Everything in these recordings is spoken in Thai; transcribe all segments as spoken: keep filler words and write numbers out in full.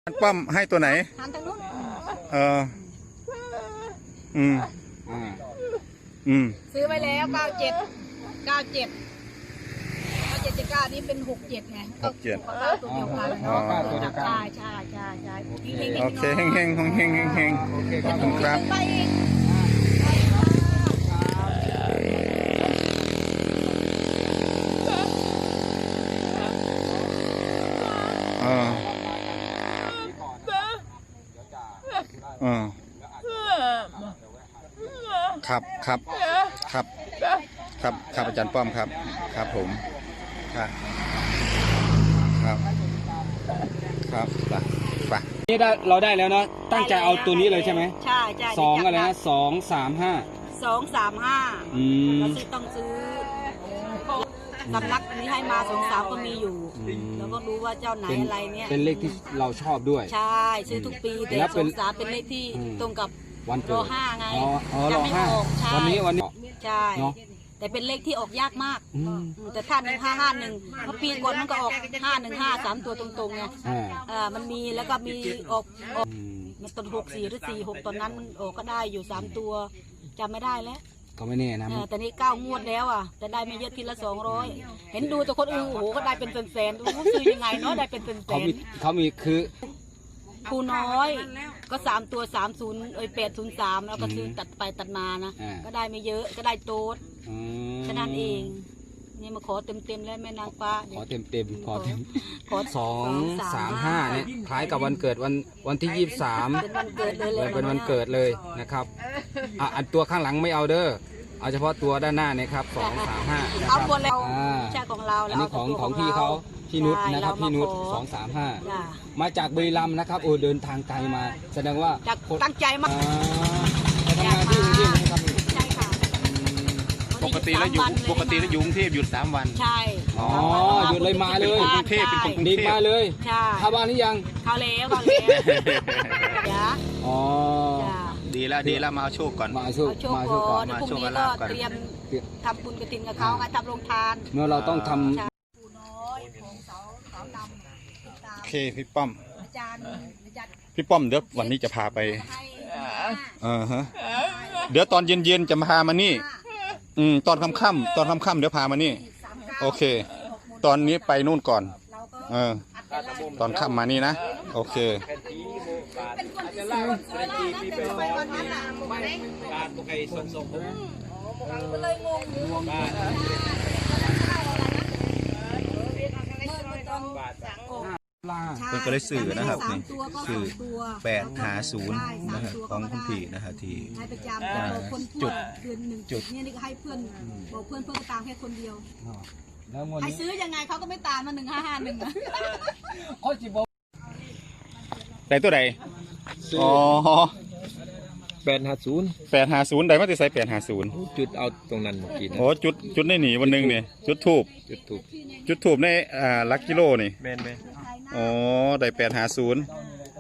ป้อมให้ตัวไหนหันทางนู้นเอออืมอืมซื้อไว้แล้วเก้าเจ็ดเก้าเจ็ดเก้าเจ็ดเจ็ดเก้านี่เป็นหกเจ็ดไงหกเจ็ดเก้าตัวเดียวกันเนาะใช่ใช่ใช่ใช่โอเคเฮงเฮงเฮงเฮงเฮงขอบคุณครับอ่าอ่าครับครับครับครับครับอาจารย์ป้อมครับครับผมครับครับครับไปไปนี่ได้เราได้แล้วเนาะตั้งใจเอาตัวนี้เลยใช่ไหมใช่ใช่สองอะไรนะสองสามห้าสองสามห้าอืมเราซื้อต้องซื้อสำนักนี้ให้มาสองสามก็มีอยู่แล้วก็รู้ว่าเจ้าไหนอะไรเนี่ยเป็นเลขที่เราชอบด้วยใช่ซื้อทุกปีแต่สองสามเป็นเลขที่ตรงกับวันเกิดรอห้าไงจะไม่ออกวันนี้วันนี้ใช่แต่เป็นเลขที่ออกยากมากแต่ท่านหนึ่งห้าห้าหนึ่งเมื่อปีก่อนมันก็ออกห้าหนึ่งห้าสามตัวตรงๆไงอ่ามันมีแล้วก็มีออกออกมันต้นหกสี่หรือสี่หกตอนนั้นมันออกก็ได้อยู่สามตัวจำไม่ได้แล้วก็ไม่แน่นะแต่นี่เก้างวดแล้วอ่ะแต่ได้ไม่เยอะทีละสองร้อยเห็นดูแต่คนอื่นโอ้โหก็ได้เป็นแสนๆดูซื้อยังไงเนาะได้เป็นแสนเขามีเขามีคือครูน้อยก็สามตัวสามศูนย์เอ้ยแปดศูนย์สามแล้วก็ซื้อตัดไปตัดมานะก็ได้ไม่เยอะก็ได้โต๊ดแค่นั้นเองนี่มาขอเต็มเต็มแล้วแม่นางฟ้าขอเต็มเต็มขอเต็มขอสองสามห้าเนี่ยคล้ายกับวันเกิดวันวันที่ยี่สิบสามเป็นวันเกิดเลยเป็นวันเกิดเลยนะครับอ่ะอันตัวข้างหลังไม่เอาเด้อเอาเฉพาะตัวด้านหน้าเนี่ยครับสองสามห้าเอาหมดแล้วใช่ของเราอันนี้ของของพี่เขาพี่นุชนะครับพี่นุชสองสามห้ามาจากบุรีรัมย์นะครับโอ้เดินทางไกลมาแสดงว่าตั้งใจมากไปทำงานที่กรุงเทพนะครับใช่ค่ะปกติแล้วอยู่ปกติแล้วอยู่กรุงเทพหยุดสามวันใช่อ๋อหยุดเลยมาเลยกรุงเทพเป็นคนกรุงเทพมาเลยใช่เข้าบ้านนี่ยังเข้าแล้วเข้าแล้วจ้าอ๋อดีแล้วดีแล้วมาเอาโชคก่อนมาเอาโชคมาโชคก่อนพรุ่งนี้ก็เตรียมทำบุญกฐินกับเขาไงทำโรงทานเมื่อเราต้องทำโอเคพี่ป้อมพี่ป้อมเดี๋ยววันนี้จะพาไปเออฮะเดี๋ยวตอนเย็นๆจะมาพามานี่อืมตอนค่ำๆตอนค่ำๆเดี๋ยวพามานี่โอเคตอนนี้ไปนู่นก่อนเออตอนค่ำมานี่นะโอเคเป็นก็ได้สื่อนะครับนี่สื่อแปดหาศูนย์นะครับของคุณพี่นะครับที่จุดจุดนี่นี่ก็ให้เพื่อนบอกเพื่อนเพื่อนตามแค่คนเดียวให้ซื้อยังไงเขาก็ไม่ตามมาหนึ่งห้าห้าหนึ่งนะได้ตัวใดอ๋อแปดหาศูนย์แปดหาศูนย์ได้มาติใส่แปดหาศูนย์จุดเอาตรงนั้นเมื่อกี้โอ้จุดจุดได้หนีวันหนึ่งเนี่ยจุดทูบจุดทูบจุดทูบในอ่าลักกิโลนี่เบนเบนอ๋อได้แปดหาศูนย์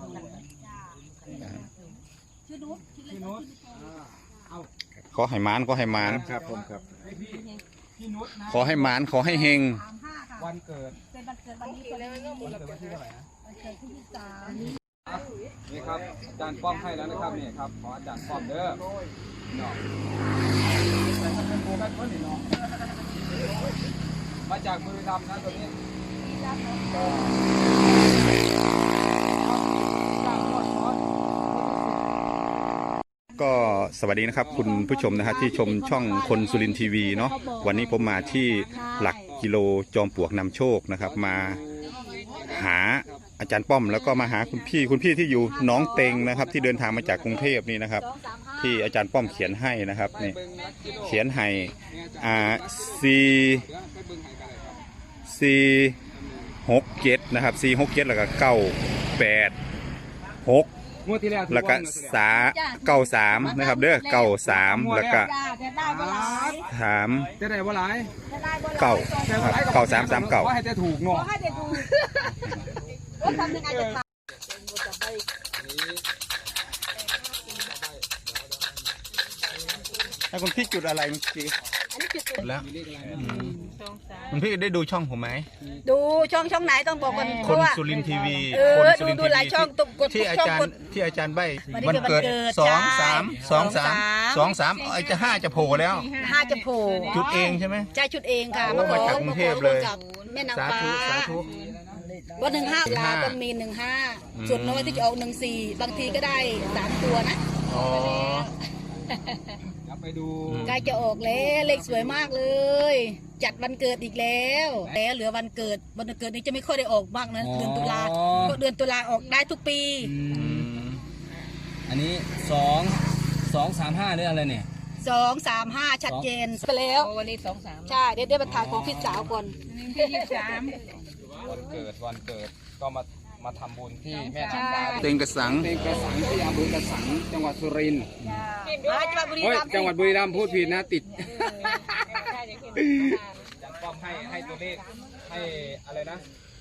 ขอให้มานขอให้มานครับผมครับขอให้มานขอให้เฮงวันเกิดเป็นวันเกิดวันนี้วันเกิดวันที่เท่าไหร่นะนี่ครับอาจารย์ป้อมให้แล้วนะครับนี่ครับขออาจารย์ป้อมเด้อเนาะมาจากบุรีรัมย์นะตัวนี้ก็สวัสดีนะครับคุณผู้ชมนะครับที่ชมช่องคนสุรินทร์ทีวีเนาะวันนี้ผมมาที่หลักกิโลจอมปลวกนำโชคนะครับมาหาอาจารย์ป้อมแล้วก็มาหาคุณพี่คุณพี่ที่อยู่หนองเต็งนะครับที่เดินทางมาจากกรุงเทพนี่นะครับที่อาจารย์ป้อมเขียนให้นะครับนี่เขียนให้อ่าสี่สี่หกเจ็ดนะครับสี่หกเจ็ดแล้วก็เก้าแปดหกแล้วก็สาเก้าสามนะครับเด้อเก้าสามแล้วก็สามจะได้บ่หลายเก้าเก้าสามสามเก้าให้จะถูกเนาะให้คุณพี่จุดอะไรเมื่อกี้อันนี้จุดตูแล้วคุณพี่ได้ดูช่องผมไหมดูช่องช่องไหนต้องบอกกันคนสุรินทร์ทีวีเออคนสุดูรินทร์ดูทีหลายวีช่องตุกกดที่อาช่องจารกย์ดที่อาจารย์ใบวันนี้วันเกิดคือวันเกิดสองใช่สามสองสามสองสามไอ้จะห้าจะโผล่แล้วห้าจะโผล่จุดเองใช่ไหมใจชุดเองค่ะโอ้มาจากกรุงเทพเลยกับแม่นางสาฟ้าธุสาธุวันหนึ่งห้าหนึ่งลาห้าต้องมีหนึ่งห้าอืมส่วนน้อยที่จะออกหนึ่งสี่บางทีก็ได้สามตัวนะอ๋อเดี๋ยวไปดูใกล้จะออกแล้วเลขสวยมากเลย จัดวันเกิดอีกแล้วแล้วเหลือวันเกิดวันเกิดนี้จะไม่ค่อยได้ออกมากนะเดือนตุลาเพราะเดือนตุลาออกได้ทุกปีอือืมมอันนี้สองสองสามห้าหรืออะไรเนี่ยสองสามห้าชัดเจนไปแล้ววันนี้สองสามใช่เดี๋ยวเดี๋ยวมาถ่ายของพี่สาวก่อนที่ยี่สิบสามวันเกิดวันเกิดก็มามาทำบุญที่แม่นางฟ้าเต็งกระสังเป็นกระสังที่อำเภอกระสังจังหวัดสุรินทร์มาจังหวัดบุรีเฮ้ยรัมย์จังหวัดบุรีรัมย์พูดผิดนะติดจังป้อมให้ให้ตัวเลขให้อะไรนะ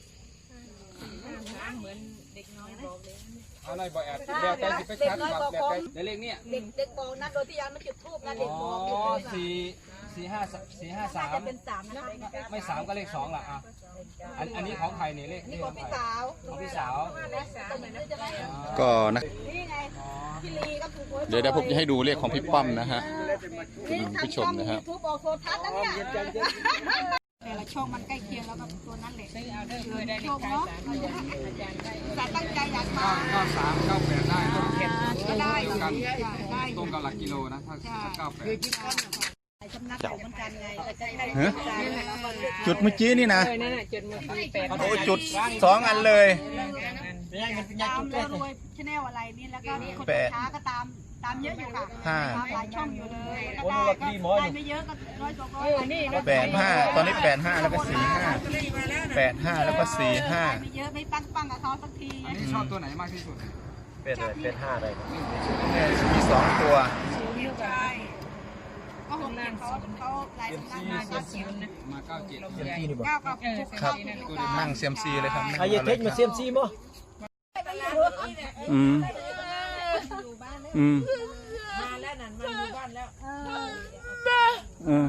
เอาหน่อยบอกแอดเดี๋ยวใจสิไปชัดครับเดี๋ยวใจเดี๋ยวเลขเนี่ยเด็กเด็กบอกนะโดยที่ยังไม่จุดทูบนะเด็กอ๋อบอกอยู่นะสี่สี่ห้าสี่ห้าสาน่าม จะเป็นสามนะคะไม่สามก็เลขสองล่ะอ่ะอันอันนี้ของใครเนี่ยเลขนี่นี่ขขออง งพี่ใครสาวของพี่สาวก็นะนี่ไงพี่ลีก็ถูกหวยเดี๋ยวเดี๋ยวผมจะให้ดูเลขของพี่ป้อมนะฮะนี่คุณผู้ชมนะฮะทำช่อง YouTube ออกโทรทัศน์นะเนี่ยแต่ละช่องมันใกล้เคียงแล้วกับตัวนั้นแหละโชคเนาะแต่ตั้งใจอยากมาเก้าสามเก้าแปดได้นะก็ได้ตรงกันได้ตรงกับหลักกิโลนะถ้าเก้าแปดสำนักอยู่เหมือนกันไงแต่ใกล้ๆฮะกันจุดเมื่อกี้นี่นะเลยนั่นน่ะเจ็ดโมงสี่แปดโอ้จุดสองอันเลยตามแล้วรวยชแนลอะไรนี่แล้วก็คนแปดช้าก็ตามตามเยอะอยู่ค่ะห้าตามหลายช่องอยู่เลยก็ได้ก็ได้ไม่เยอะก็ร้อยสองร้อยอันนี้แปดห้าตอนนี้แปดห้าแล้วก็สี่ห้าแปดห้าแล้วก็สี่ห้าไม่เยอะไม่ปั้งปั้งกับเขาสักทีอันนี้ชอบตัวไหนมากที่สุดเป็นอะไรเป็นห้าอะไรครับเนี่ยมีสองตัวนิ้วไปก็หกเจ็ดเขาเขาหลายสำนักมาเก้าเจ็ดมาเก้าเจ็ดเซียมซีนี่บ่เก้ากับหกครับเก้านั่งเซียมซีเลยครับนั่งอายเทคมาเซียมซีมั้งอืมอืมมาแล้วนั่นมาอยู่บ้านแล้วเออ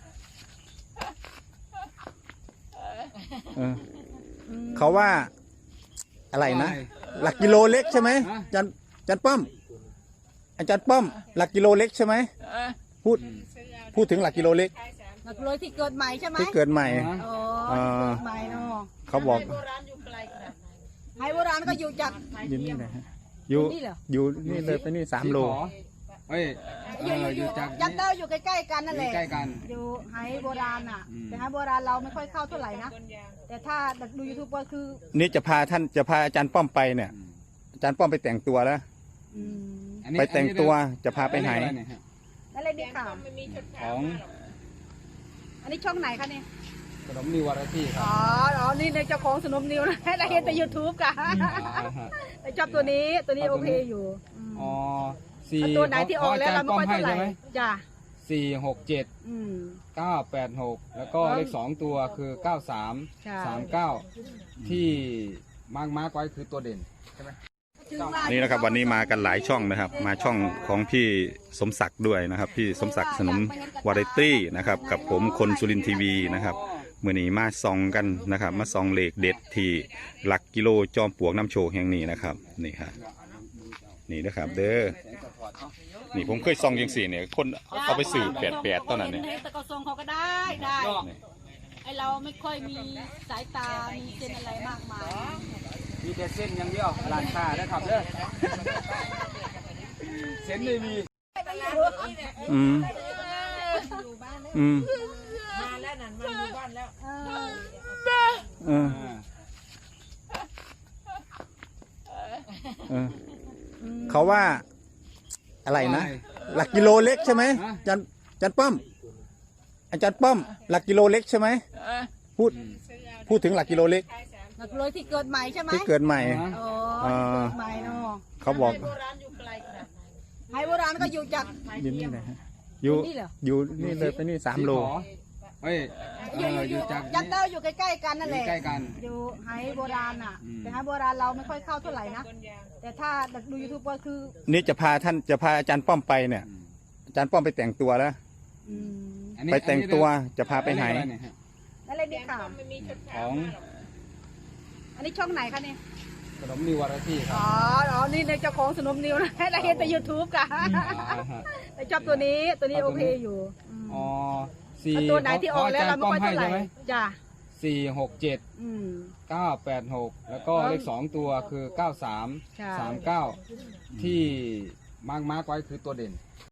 เออเขาว่าอะไรนะ หลักกิโลเล็กใช่ไหมอาจันจันป้อม อาจารย์ป้อม หลักกิโลเล็กใช่ไหมพูดพูดถึงหลักกิโลเล็กหลักร้อยที่เกิดใหม่ใช่ไหมที่เกิดใหม่อ๋ออ่าที่เกิดใหม่เนาะเขาบอกไฮโบราณก็อยู่จากอยู่นี่นะฮะอยู่นี่เหรออยู่นี่เลยไปนี่สามโลเฮ้ยเออยู่อออยู่ ยู่จากยันเต้าอยู่ใกล้ๆกันนั่นแหละใกล้กันอยู่ไฮโบราณอ่ะอืมแต่ไฮโบราณเราไม่ค่อยเข้าเท่าไหร่นะ แต่ถ้าดูยูทูบก็คือนี่จะพาท่านจะพาอาจารย์ป้อมไปเนี่ย อาจารย์ป้อมไปแต่งตัวแล้วอืมอันนี้ไปแต่งตัวจะพาไปไหนอัอะรเยฮะนั่นเลยนี่ค่ะของอันนี้ช่องไหนคะเนี่ยขนมนิววาไรตี้ครัอ๋บออ๋อนี่ในเจ้าของสนมนิวนะ เราเห็นแต่ยูทูบค่ะอ่าฮะแต่ชอบตัวนี้ตัวนี้โอเคอยู่มอ๋อสี่เอาตัวไหนที่ออกแล้วเราไม่ค่อยเท่าไหร่ใช่ไหมจ้ะสี่หกเจ็ดอืมเก้าแปดหกแล้วก็เลขสองตัวคือเก้าสามใช่สามเก้าที่มาร์กมาร์กไว้คือตัวเด่นนี่นะครับวันนี้มากันหลายช่องนะครับ มาช่องของพี่สมศักดิ์ด้วยนะครับ พี่สมศักดิ์สนมวาไรตี้นะครับ กับผมคนสุรินทร์ทีวีนะครับมื่อนี้มาซองกันนะครับ มาซองเลขเด็ดที่หลักกิโลจอมปลวกน้ำโชคแห่งนี้นะครับนี่ครับนี่นะครับ เด้อนี่ผมเคยซองยังสี่เนี่ยคนเอาไปสื่อแปดแปดตอนนั้นเนี่ยแต่ก็ทรงเขาก็ได้ได้ไอเราไม่ค่อยมีสายตา มีเส้นอะไรมากมายมีแต่เส้นอย่างเดียวร้านค้านะครับเด้อเส้นไม่มีอืมอืมมาแล้วนั่นมาอยู่บ้านแล้วเออเออเขาว่าอะไรนะ หลักกิโลเล็กใช่ไหมอาจารย์อาจารย์ป้อม อาจารย์ป้อม หลักกิโลเล็กใช่ไหมพูดพูดถึงหลักกิโลเล็กหลักร้อยที่เกิดใหม่ใช่ไหมที่เกิดใหม่อ๋ออ่าที่เกิดใหม่เนาะเขาบอกไฮโบราณก็อยู่จากอยู่นี่นะฮะอยู่นี่เหรออยู่นี่เลยไปนี่สามโลเฮ้ยเออยู่อออยู่ ยู่จากยันเต้าอยู่ใกล้ๆกันนั่นแหละใกล้กันอยู่ไฮโบราณอ่ะอืมแต่ไฮโบราณเราไม่ค่อยเข้าเท่าไหร่นะ แต่ถ้าดูยูทูบก็คือนี่จะพาท่านจะพาอาจารย์ป้อมไปเนี่ย อาจารย์ป้อมไปแต่งตัวแล้วอืมอันนี้ไปแต่งตัวจะพาไปไหนอัเยฮะอะไรนี่ค่ะของอันนี้ช่องไหนคะเนี่ยขนมนิววารตี้ครัอ๋บอ อ๋อ นี่ในเจ้าของสนมนิวนะเราเห็นแต่ยูทูบค่ะอ่าฮะแต่ชอบตัวนี้ ตัวนี้โอเคอยู่มอ๋อสี่เอาตัวไหนที่ออกแล้วเราไม่ค่อยเท่าไหร่ใช่ไหมจ้ะสี่หกเจ็ดอืมเก้าแปดหกแล้วก็เลขสองตัวคือเก้าสามใช่สามเก้าที่มาร์กมาร์กไว้คือตัวเด่น